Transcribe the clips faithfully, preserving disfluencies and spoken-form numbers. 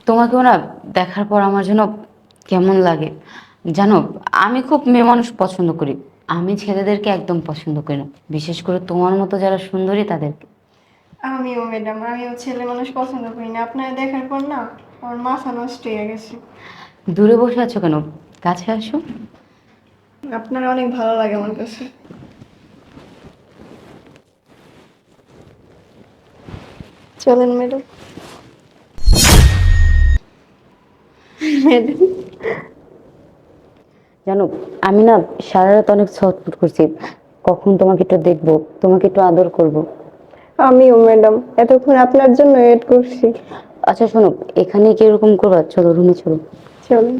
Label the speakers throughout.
Speaker 1: তোমাকেও না দেখার পর আমার যেন কেমন লাগে জানো। আমি খুব মেয়ে মানুষ পছন্দ করি। আমি ছেলেদেরকে একদম পছন্দ করি না, বিশেষ করে তোমার মতো যারা সুন্দরী তাদেরকে।
Speaker 2: আমিও ম্যাডাম, আমিও ছেলে মানুষ পছন্দ করি না। আপনারা দেখার পর না আমার মাথা নষ্ট হয়ে গেছে।
Speaker 1: দূরে বসে আছো কেন? কাছে আসো।
Speaker 2: আপনারা অনেক ভালো লাগে আমার কাছে। চলেন ম্যাডাম। ম্যাডাম,
Speaker 1: জানো, আমি না সারা রাত অনেক ছটফট করছি, কখন তোমাকে একটু দেখবো, তোমাকে একটু আদর করব।
Speaker 2: আমিও ম্যাডাম, এতক্ষণ আপনার জন্য ওয়েট করছি।
Speaker 1: আচ্ছা শোনো, এখানে কি এরকম করবা? চলো রুমে চলো।
Speaker 2: চলেন।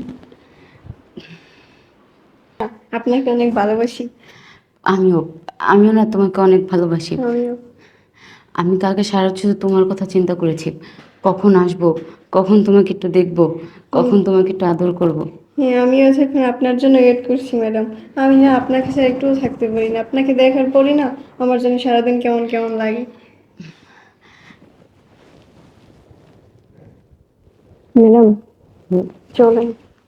Speaker 2: আপনাকে অনেক ভালোবাসি।
Speaker 1: আমিও আমিও না তোমাকে অনেক ভালোবাসি।
Speaker 2: আমিও।
Speaker 1: আমি কালকে সারা রাত শুধু তোমার কথা চিন্তা করেছি, কখন আসবো, কখন তোমাকে একটু দেখবো,
Speaker 2: হুম।
Speaker 1: কখন তোমাকে একটু আদর করব।
Speaker 2: হ্যাঁ, আমিও এখন আপনার জন্য ওয়েট করছি ম্যাডাম। আমি না আপনার কাছে একটুও থাকতে পারি না। আপনাকে দেখার পরই না আমার জন্য সারাদিন কেমন কেমন লাগে। ম্যাডাম, চলেন।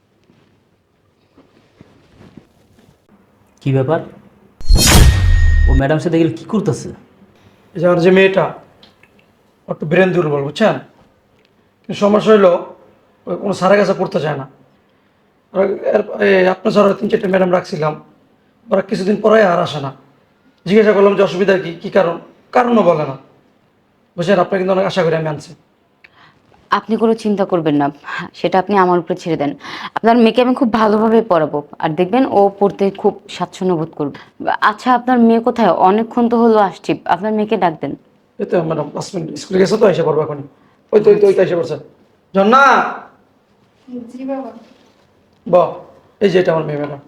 Speaker 3: কি ব্যাপার? ও ম্যাডাম সাথে গেলে কি করতেছে?
Speaker 4: এই যে আমার যে মেয়েটা, ও একটু ব্রেন দুর্বল, বুঝছেন? কিন্তু সমস্যা হইলো ওই কোনো স্যারের কাছে পড়তে চায় না। আর এর- এই আপনার স্যার তিন চারটে ম্যাডাম রাখছিলাম, ওরা কিছুদিন পরে আর আসে না। জিজ্ঞাসা করলাম যে অসুবিধা কি, কী কারণ, কারণও বলে না। বুঝছেন, আপনার কিন্তু অনেক আশা করে আমি আনছি।
Speaker 1: আপনি কোনো চিন্তা করবেন না, সেটা আপনি আমার উপরে ছেড়ে দেন। আপনার মেয়েকে আমি খুব ভালোভাবে পড়াবো, আর দেখবেন ও পড়তে খুব স্বাচ্ছন্দ্য বোধ করবে। আচ্ছা, আপনার মেয়ে কোথায়? অনেকক্ষণ তো হলো আসছি, আপনার মেয়েকে ডাক দেন।
Speaker 4: এই তো ম্যাডাম পাঁচ মিনিট স্কুলে গেছে, তো এসে পড়বো এখনই। ওই তো ওই তো ওই তো এসে পড়ছে। জন্না,
Speaker 2: জি বাবা।
Speaker 4: ব এই যে এটা আমার মেয়ে ম্যাডাম।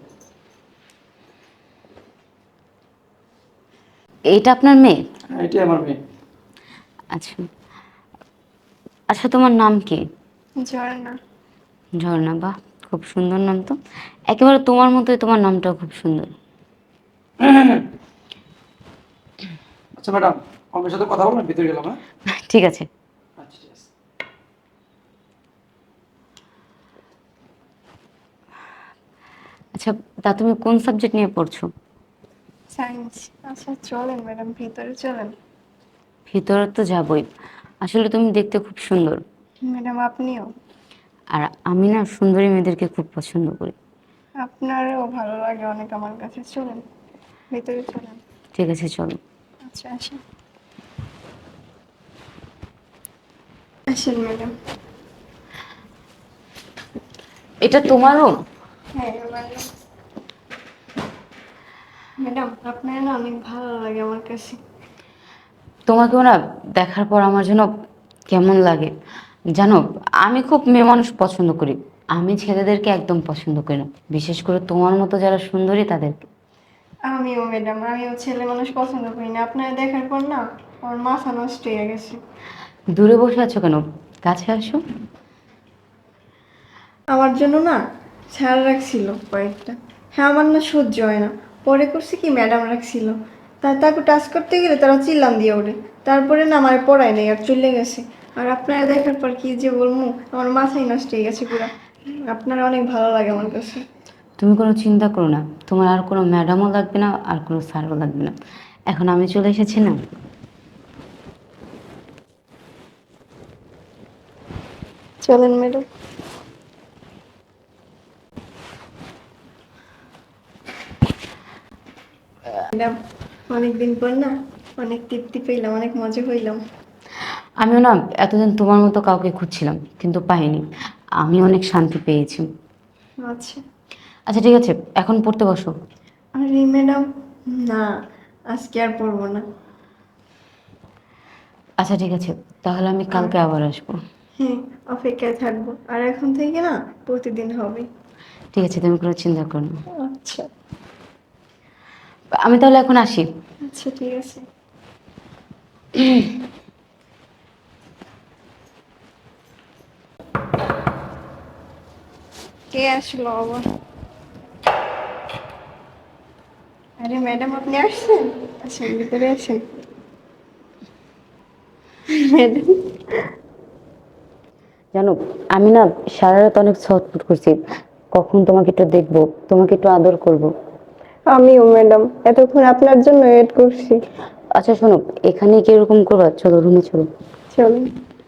Speaker 1: এইটা আপনার মেয়ে?
Speaker 4: হ্যাঁ, এটাই আমার মেয়ে।
Speaker 1: আচ্ছা। আচ্ছা, তোমার নাম কি?
Speaker 2: ঝর্ণা।
Speaker 1: ঝর্ণা, বাহ, খুব সুন্দর নাম তো। একেবারে তোমার মতোই, তোমার নামটাও খুব সুন্দর।
Speaker 4: আচ্ছা ম্যাডাম, আমার সাথে কথা বলবেন, ভিতরে গেলাম। হ্যাঁ,
Speaker 1: ঠিক আছে।
Speaker 4: আচ্ছা ঠিক আছে।
Speaker 1: আচ্ছা, তা তুমি কোন সাবজেক্ট নিয়ে পড়ছো?
Speaker 2: সায়েন্স। আচ্ছা চলেন ম্যাডাম, ভিতরে চলেন।
Speaker 1: ভিতরে তো যাবই, আসলে তুমি দেখতে খুব সুন্দর।
Speaker 2: ম্যাডাম আপনিও।
Speaker 1: আর আমি না সুন্দরী মেয়েদেরকে খুব পছন্দ করি।
Speaker 2: আপনারও ভালো লাগে অনেক আমার কাছে। চলেন, ভিতরে চলেন।
Speaker 1: ঠিক আছে, চলো।
Speaker 2: আচ্ছা আসেন। আসেন ম্যাডাম।
Speaker 1: এটা তোমার রুম?
Speaker 2: হ্যাঁ ম্যাডাম। ম্যাডাম আপনার না অনেক ভালো লাগে আমার কাছে।
Speaker 1: তোমাকেও না দেখার পর আমার যেন কেমন লাগে জানো। আমি খুব মেয়ে মানুষ পছন্দ করি। আমি ছেলেদেরকে একদম পছন্দ করি না, বিশেষ করে তোমার মতো যারা সুন্দরী তাদেরকে।
Speaker 2: আমিও ম্যাডাম, আমিও ছেলে মানুষ পছন্দ করি না। আপনার দেখার পর না আমার মাথা নষ্ট হয়ে গেছে।
Speaker 1: দূরে বসে আছো কেন? কাছে আসো।
Speaker 2: আমার জন্য না স্যার রাখছিল কয়েকটা। হ্যাঁ, আমার না সহ্য হয় না। পরে করছে কি ম্যাডাম রাখছিল, তা তাকে টাচ করতে গেলে তারা চিল্লাম দিয়ে ওঠে। তারপরে না আমার পড়ায় নেই আর চলে গেছে। আর আপনারা দেখার পর কি যে বলবো, আমার মাথাই নষ্ট হয়ে গেছে পুরা। আপনারা অনেক ভালো লাগে আমার কাছে।
Speaker 1: তুমি কোনো চিন্তা করো না, তোমার আর কোনো ম্যাডামও লাগবে না, আর কোনো স্যারও লাগবে না। এখন আমি চলে এসেছি না।
Speaker 2: চলেন ম্যাডাম। ম্যাডাম, অনেকদিন পর না অনেক তৃপ্তি পেলাম, অনেক মজা হইলাম।
Speaker 1: আমিও না এতদিন তোমার মতো কাউকে খুঁজছিলাম, কিন্তু পাইনি। আমি অনেক শান্তি পেয়েছি।
Speaker 2: আচ্ছা।
Speaker 1: আচ্ছা ঠিক আছে, এখন পড়তে বসো।
Speaker 2: আরে ম্যাডাম, না আজকে আর পড়বো না।
Speaker 1: আচ্ছা ঠিক আছে, তাহলে আমি
Speaker 2: আহ,
Speaker 1: কালকে আবার আসবো।
Speaker 2: হ্যাঁ, অপেক্ষায় থাকবো। আর এখন থেকে না প্রতিদিন হবে।
Speaker 1: ঠিক আছে, তুমি কোনো চিন্তা করো না।
Speaker 2: আচ্ছা।
Speaker 1: আমি তাহলে এখন আসি।
Speaker 2: আচ্ছা ঠিক আছে। কে আসলো আবার? আরে ম্যাডাম, আপনি আসছেন? আসেন, ভিতরে আসেন। ম্যাডাম।
Speaker 1: জানো, আমি না সারা রাত অনেক ছটফট করছি, কখন তোমাকে একটু দেখবো, তোমাকে একটু আদর করব।
Speaker 2: আমিও ম্যাডাম এতক্ষণ আপনার জন্য ওয়েট করছি।
Speaker 1: আচ্ছা শোনো, এখানে কি এরকম করবা? চলো রুমে চলো।
Speaker 2: চলুন।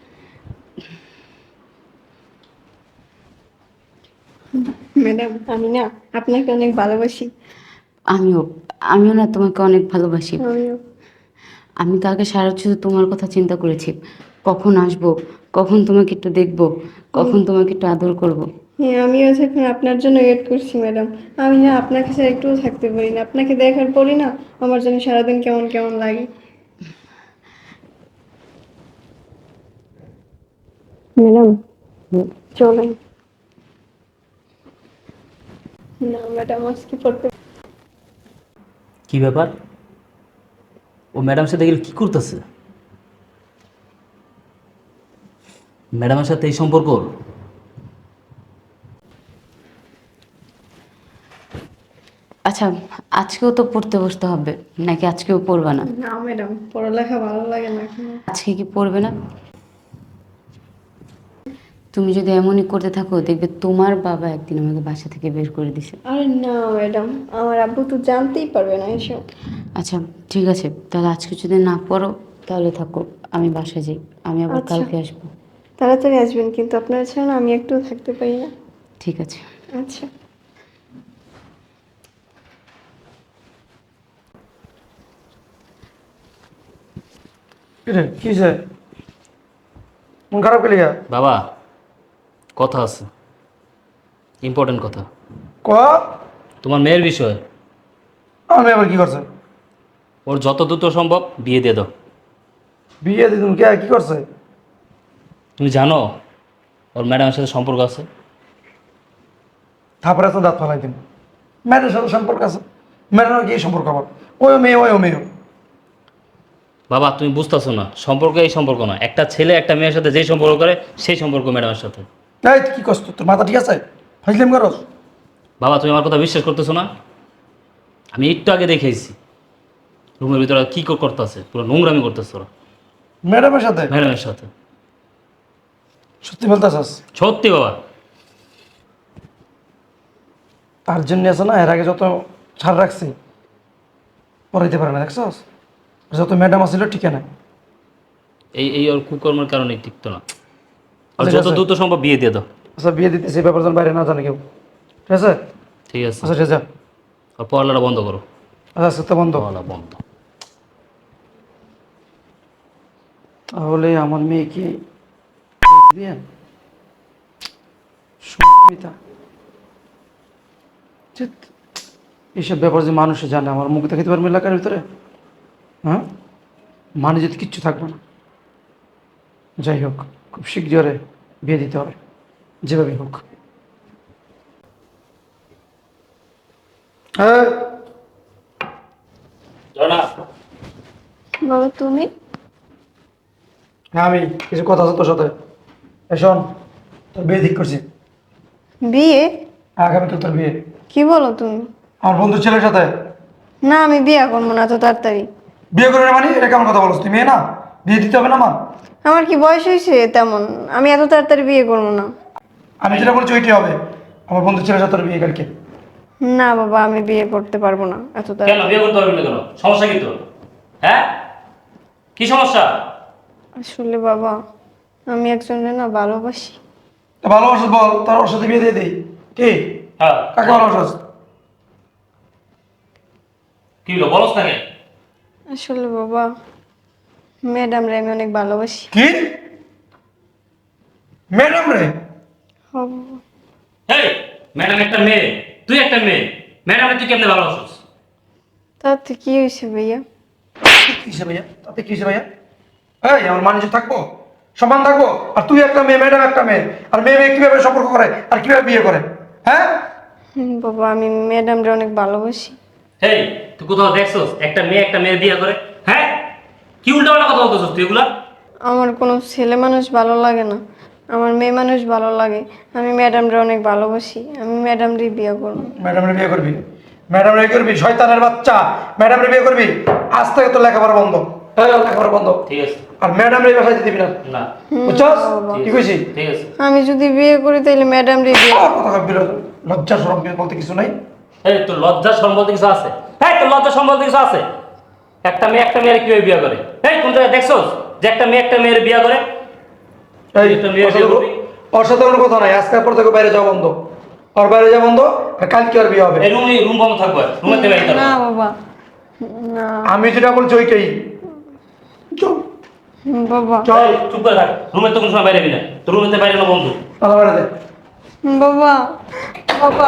Speaker 2: ম্যাডাম আমি না আপনাকে অনেক ভালোবাসি।
Speaker 1: আমিও আমিও না তোমাকে অনেক ভালোবাসি।
Speaker 2: আমিও।
Speaker 1: আমি কালকে সারা রাত শুধু তোমার কথা চিন্তা করেছি, কখন আসবো, কখন তোমাকে একটু দেখবো, কখন তোমাকে একটু আদর করব।
Speaker 2: হ্যাঁ আমিও এখন আপনার জন্য ওয়েট করছি ম্যাডাম। আমি না আপনাকে ছাড়া একটুও থাকতে পারি না, আপনাকে দেখার পরই না আমার জন্য সারাদিন কেমন কেমন লাগে। ম্যাডাম চলেন। না ম্যাডাম আজকে পড়তে।
Speaker 3: কি ব্যাপার? ও ম্যাডামের সাথে গেলে কি করতেছে? ম্যাডামের সাথে এই সম্পর্ক?
Speaker 1: আচ্ছা, আজকেও তো পড়তে বসতে হবে নাকি আজকেও পড়বে না?
Speaker 2: না ম্যাডাম পড়ালেখা ভালো লাগে না এখন।
Speaker 1: আজকে কি পড়বে না? তুমি যদি এমনই করতে থাকো, দেখবে তোমার বাবা একদিন আমাকে বাসা থেকে বের করে দিছে।
Speaker 2: আরে না ম্যাডাম, আমার আব্বু তো জানতেই পারবে না এসব।
Speaker 1: আচ্ছা ঠিক আছে, তাহলে আজকে যদি না পড়ো তাহলে থাকো, আমি বাসায় যাই, আমি আবার
Speaker 2: আচ্ছা।
Speaker 1: কালকে আসবো।
Speaker 2: তাড়াতাড়ি আসবেন কিন্তু আপনার ছাড়া না আমি একটু থাকতে পারি না।
Speaker 1: ঠিক আছে।
Speaker 2: আচ্ছা।
Speaker 4: কিরে কি হয়েছে? মন খারাপ পেলি গা?
Speaker 3: বাবা, কথা আছে, ইম্পর্টেন্ট কথা।
Speaker 4: ক
Speaker 3: তোমার মেয়ের বিষয়।
Speaker 4: আমার মেয়ে আবার কি করছে?
Speaker 3: ওর যত দ্রুত সম্ভব বিয়ে দিয়ে দাও।
Speaker 4: বিয়ে দিদুন কে কি করছে?
Speaker 3: তুমি জানো ওর ম্যাডামের সাথে সম্পর্ক আছে?
Speaker 4: থাপড়ে তো দাঁত ফালাই দিন। মেয়েদের সাথে সম্পর্ক আছে, মেয়েদের কি সম্পর্ক আবার? ওই মেয়ে ওই মেয়ে।
Speaker 3: বাবা তুমি বুঝতেছো না, সম্পর্ক এই সম্পর্ক না। একটা ছেলে একটা মেয়ের সাথে যেই সম্পর্ক করে সেই সম্পর্ক ম্যাডামের সাথে।
Speaker 4: এই তুই কি করছ? তোর মাথা ঠিক আছে? ফাইজলাম করস?
Speaker 3: বাবা তুমি আমার কথা বিশ্বাস করতেছো না? আমি একটু আগে দেখেছি রুমের ভিতরে কী করতেছে, পুরো নোংরামি করতেছে ওরা
Speaker 4: ম্যাডামের সাথে?
Speaker 3: ম্যাডামের সাথে।
Speaker 4: সত্যি বলতেছস?
Speaker 3: সত্যি বাবা।
Speaker 4: তার জন্য আছে না, এর আগে যত ছাড় রাখছি পড়াইতে পারে না, দেখছস? যত ম্যাডাম আসছিল ঠিক না।
Speaker 3: এই এই ওর কুকর্মের কারণে টিকতো না। আর
Speaker 4: ঠিক
Speaker 3: যত
Speaker 4: আছে।
Speaker 3: দ্রুত সম্ভব বিয়ে দিয়ে দাও।
Speaker 4: আচ্ছা বিয়ে দিতেছি, এই ব্যাপার যেন বাইরে না জানে কেউ, ঠিক আছে?
Speaker 3: ঠিক আছে।
Speaker 4: আচ্ছা ঠিক আছে।
Speaker 3: আর পড়ালেখা বন্ধ করো।
Speaker 4: আচ্ছা আজকে তো বন্ধ।
Speaker 3: পড়ালেখা বন্ধ।
Speaker 4: তাহলে আমার মেয়ে কি বিয়ে? সুমিতা, ধ্যাৎ, এইসব ব্যাপার যে মানুষে জানে, আমার মুখ দেখাতে পারবে এলাকার ভিতরে? হ্যাঁ, মানে যদি কিচ্ছু থাকবে না। যাই হোক, খুব শীঘ্রই বিয়ে দিতে হবে, যেভাবে হোক। হ্যাঁ
Speaker 2: বাবা তুমি?
Speaker 4: হ্যাঁ আমি কিছু কথা আছে তোর সাথে। এই শোন, তোর বিয়ে ঠিক করছি।
Speaker 2: বিয়ে?
Speaker 4: আগামীকাল তোর বিয়ে
Speaker 2: কি বলো তুমি?
Speaker 4: আমার বন্ধুর ছেলের সাথে।
Speaker 2: না আমি বিয়ে করবো না তো তাড়াতাড়ি।
Speaker 4: বিয়ে করে না মানে এটা কেমন কথা বলছ? তুই মেয়ে না, বিয়ে দিতে হবে না আমার?
Speaker 2: আমার কি বয়স হয়েছে তেমন? আমি এত তাড়াতাড়ি বিয়ে করবো না।
Speaker 4: আমি যেটা বলছি ওইটাই হবে। আমার বন্ধুর ছেলের সাথে তোর বিয়ে কালকে।
Speaker 2: না বাবা আমি বিয়ে করতে পারবো না এত
Speaker 3: কেন
Speaker 2: তাড়াতাড়ি।
Speaker 3: বিয়ে করতে পারবে না কেন? সমস্যা কি তোর? হ্যাঁ, কি সমস্যা?
Speaker 2: আসলে বাবা আমি একজনের না ভালোবাসি।
Speaker 4: তা ভালোবাসা বল, তার ওর সাথে বিয়ে দিয়ে দিই। কি
Speaker 3: হ্যাঁ,
Speaker 4: কাকে ভালোবাসাস?
Speaker 3: কি হলো বলস না কেন?
Speaker 2: আসলে বাবা ম্যাডাম রে আমি অনেক ভালোবাসি।
Speaker 4: কি ম্যাডাম রে?
Speaker 2: হ বাবা।
Speaker 3: হেই, ম্যাডাম একটা মেয়ে, তুই একটা মেয়ে, ম্যাডামে তুই কেমনে ভালোবাসিস?
Speaker 2: তাতে কি হয়েছে ভাইয়া?
Speaker 4: কিসে ভাইয়া? তাতে কিসে ভাইয়া? এই আমার মানুষ থাকবো, সমান থাকবো, আর তুই একটা মেয়ে, ম্যাডাম একটা মেয়ে, আর মেয়ে মেয়ে কিভাবে সম্পর্ক করে আর কিভাবে বিয়ে করে? হ্যাঁ
Speaker 2: হুম, বাবা আমি ম্যাডাম রে অনেক ভালোবাসি।
Speaker 3: হেই, তুই কোথাও দেখছস একটা মেয়ে একটা মেয়ে বিয়ে করে? হ্যাঁ, কি উল্টাপাল্টা কথা বলতেছস তুই এগুলা?
Speaker 2: আমার কোনো ছেলে মানুষ ভালো লাগে না, আমার মেয়ে মানুষ ভালো লাগে। আমি ম্যাডাম রে অনেক ভালোবাসি, আমি ম্যাডাম রে বিয়ে করবো।
Speaker 4: ম্যাডাম রে বিয়ে করবি? ম্যাডাম রে করবি শয়তানের বাচ্চা, ম্যাডাম রে বিয়ে করবি? আজ থেকে তো লেখাপড়া বন্ধ। এই, লেখাপড়া বন্ধ।
Speaker 3: ঠিক আছে।
Speaker 4: আর ম্যাডাম এই বাসায় দিবি না
Speaker 3: না
Speaker 4: বুঝছস কি কইছি
Speaker 3: ঠিক আছে
Speaker 2: আমি যদি বিয়ে করি তাহলে ম্যাডাম রে বিয়ে
Speaker 4: আর কথা কইবি না। লজ্জা শরম বলতে কিছু নাই।
Speaker 3: এই তোর লজ্জা সম্বল কিছু আছে হ্যাঁ তোর লজ্জা সম্বল কিছু আছে একটা মেয়ে একটা মেয়ের কিভাবে বিয়ে করে এই কোন জায়গায় দেখছোস যে একটা মেয়ে একটা মেয়ের বিয়ে করে
Speaker 4: এই
Speaker 3: একটা মেয়ের বিয়ে করবি?
Speaker 4: ওর সাথে কোনো কথা নাই, আজকের পর থেকে বাইরে যাওয়া বন্ধ। আর বাইরে যাওয়া বন্ধ, আর কালকে আর বিয়ে হবে।
Speaker 3: এই রুমে রুম বন্ধ থাকবে রুমের থেকে বাইরে
Speaker 2: না বাবা না
Speaker 4: আমি যেটা বলছি ওইটাই। চল
Speaker 2: বাবা
Speaker 4: চল
Speaker 3: চুপ করে থাক রুমের তো কোনো সময় বাইরে যাবি না তোর রুমের থেকে বাইরে না বন্ধু
Speaker 4: আলাদা বাইরে দে।
Speaker 2: বাবা বাবা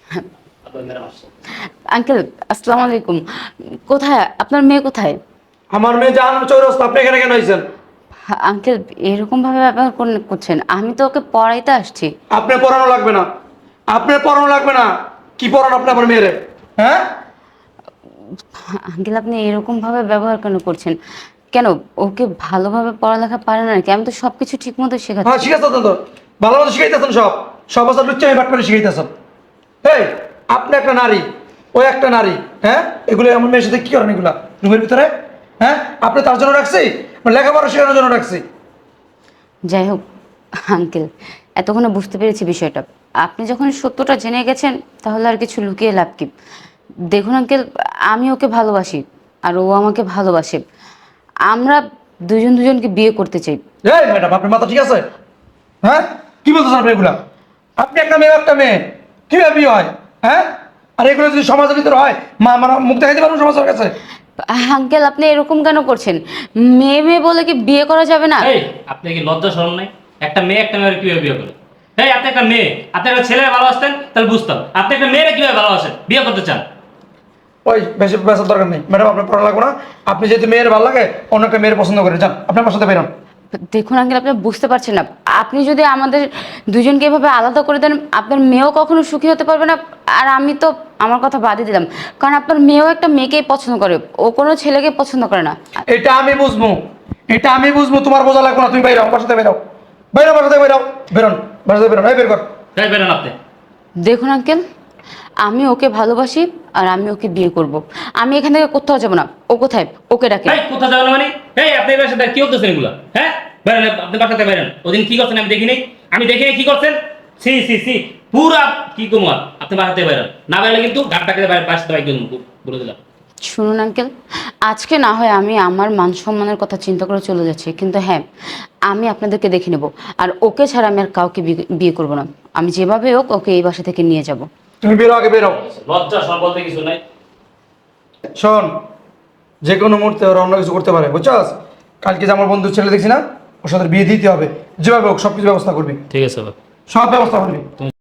Speaker 1: আঙ্কেল আসসালামু আলাইকুম। কোথায় আপনার মেয়ে কোথায়?
Speaker 4: আমার মেয়ে জান চৌরাস্তা, আপনি এখানে কেন হয়েছেন?
Speaker 1: আঙ্কেল এরকম ভাবে ব্যবহার কোন- করছেন, আমি তো ওকে পড়াইতে আসছি।
Speaker 4: আপনি পড়ানো লাগবে না, আপনি পড়ানো লাগবে না। কি পড়ান আপনি আমার মেয়েরে? হ্যাঁ
Speaker 1: আঙ্কেল আপনি এরকম ভাবে ব্যবহার কেন করছেন? কেন ওকে ভালোভাবে পড়ালেখা পারে না নাকি? আমি তো সবকিছু ঠিক মতো
Speaker 4: হ্যাঁ
Speaker 1: শেখাচ্ছি।
Speaker 4: শিখাইতেছেন তো, ভালো মতো শিখাইতেছেন সব সব বছর লুচ্চা আমি বাট করে শিখাইতেছেন। এই আপনি একটা নারী, ও একটা নারী, হ্যাঁ এগুলো আমার মেয়ের সাথে কি করেন এগুলা রুমের ভিতরে? হ্যাঁ আপনি তার জন্য রাখছি, মানে লেখাপড়া শেখানোর জন্য রাখছি।
Speaker 1: যাই হোক আঙ্কেল, এতক্ষণে বুঝতে পেরেছি বিষয়টা। আপনি যখন সত্যটা জেনে গেছেন তাহলে আর কিছু লুকিয়ে লাভ কি? দেখুন আঙ্কেল, আমি ওকে ভালোবাসি আর ও আমাকে ভালোবাসে। আমরা দুজন দুজনকে বিয়ে করতে চাই।
Speaker 4: এই ম্যাডাম আপনার মাথা ঠিক আছে? হ্যাঁ কি বলতেছেন আপনি এগুলা? আপনি একটা মেয়ে একটা মেয়ে কিভাবে বিয়ে হয়? হ্যাঁ আর এগুলো যদি সমাজের ভিতরে হয়, মা আমার মুখ দেখাইতে পারবো সমাজের কাছে?
Speaker 1: আঙ্কেল আপনি এরকম কেন করছেন? মেয়ে মেয়ে বলে কি বিয়ে করা যাবে না?
Speaker 3: এই আপনি কি লজ্জা শরম নাই একটা মেয়ে একটা মেয়ের কিভাবে বিয়ে করে এই আপনি একটা মেয়ে আপনি একটা ছেলে ভালোবাসতেন তাহলে বুঝতাম আপনি একটা মেয়েরা কিভাবে ভালোবাসেন বিয়ে করতে চান
Speaker 4: ওই বেশি বেসার দরকার নেই ম্যাডাম, আপনার পড়া লাগবে না। আপনি যেহেতু মেয়ের ভালো লাগে, অন্য একটা মেয়ের পছন্দ করে যান, আপনার আমার সাথে বেরোন।
Speaker 1: দেখুন আঙ্কেল আপনি বুঝতে পারছেন না, আপনি যদি আমাদের দুজনকে এভাবে আলাদা করে দেন আপনার মেয়েও কখনো সুখী হতে পারবে না। আর আমি তো আমার কথা বাদই দিলাম, কারণ আপনার মেয়েও একটা মেয়েকেই পছন্দ করে, ও কোনো ছেলেকে পছন্দ করে না।
Speaker 4: এটা আমি বুঝবো, এটা আমি বুঝবো, তোমার বোঝা লাগবে না। তুমি বাইরাও, আমার সাথে বেরাও, বাইরাও আমার সাথে বেরাও, বেরোন বাসা থেকে বেরোন, এই বের কর।
Speaker 3: তাই বেরেন আপনি
Speaker 1: দেখুন আঙ্কেল, আমি ওকে ভালোবাসি আর আমি ওকে বিয়ে করব। আমি এখান থেকে কোথাও যাবো না। ও কোথায়? ওকে ডাকে।
Speaker 3: এই কোথা যাবেন মানে এই আপনি এবার সাথে কি করতেছেন এগুলা হ্যাঁ বেরেন আপনি বাসাতে বেরেন ওদিন কি করছেন আমি দেখি নাই আমি দেখি নাই কি করছেন সি সি সি পুরা কি কুমার আপনি বাসাতে বেরেন না বেরলে কিন্তু ঘাটটাকে বাসাতে বাইক বলে দিলাম
Speaker 1: শুনুন আঙ্কেল, আজকে না হয় আমি আমার মান সম্মানের কথা চিন্তা করে চলে যাচ্ছি, কিন্তু হ্যাঁ আমি আপনাদেরকে দেখে নেব। আর ওকে ছাড়া আমি আর কাউকে বিয়ে- বিয়ে করব না। আমি যেভাবে হোক ওকে এই বাসা থেকে নিয়ে যাব।
Speaker 4: তুমি বেরো, আগে বেরো।
Speaker 3: লজ্জা সব বলতে কিছু নাই
Speaker 4: শোন, যে কোনো মুহূর্তে ওরা অন্য কিছু করতে পারে, বুঝছস? কালকে যে আমার বন্ধুর ছেলে দেখছি না, ওর সাথে বিয়ে দিতে হবে, যেভাবে হোক সব কিছু ব্যবস্থা করবি,
Speaker 3: ঠিক আছে বাবা
Speaker 4: সব ব্যবস্থা করবি।